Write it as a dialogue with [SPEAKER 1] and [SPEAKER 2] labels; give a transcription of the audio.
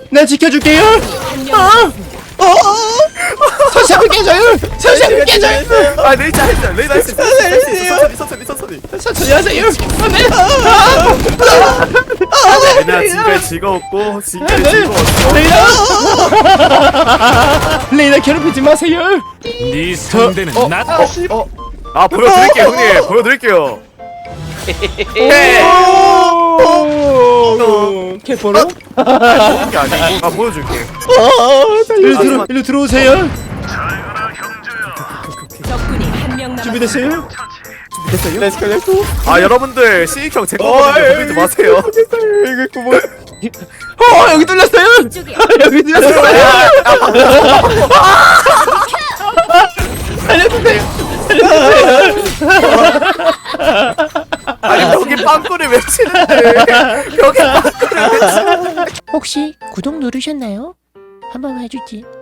[SPEAKER 1] 내 지켜줄게요. 서샤브 깨져요. 서샤브 깨져요.
[SPEAKER 2] 아 레이저 했어요. 레이저 했어요. 천천히.
[SPEAKER 1] 천천히 하세요.
[SPEAKER 2] 레이나 지금까지 즐거웠고 지금까지 즐거웠어.
[SPEAKER 1] 레이나 괴롭히지 마세요.
[SPEAKER 3] 네 상대는 나다.
[SPEAKER 2] 아 보여드릴게요 형님. 보여드릴게요.
[SPEAKER 1] 캐포로?
[SPEAKER 2] 보는 게 아니고 아 보여줄게.
[SPEAKER 1] 일로 들어오세요.
[SPEAKER 4] 적군이 한 명 남았습니다.
[SPEAKER 1] 준비됐어요?
[SPEAKER 2] 됐어요?
[SPEAKER 1] 렛츠고 렛츠고.
[SPEAKER 2] 아 여러분들 시익형 제 거거든요. 보내지 마세요.
[SPEAKER 1] 이거 구멍. 여기 뚫렸어요. 여기 뚫렸어요. 살려주세요.
[SPEAKER 2] 아니 여기 빵꾸를 왜 치는데? 여기 빵꾸를 왜 치는데?
[SPEAKER 5] 혹시 구독 누르셨나요? 한 번만 해주지.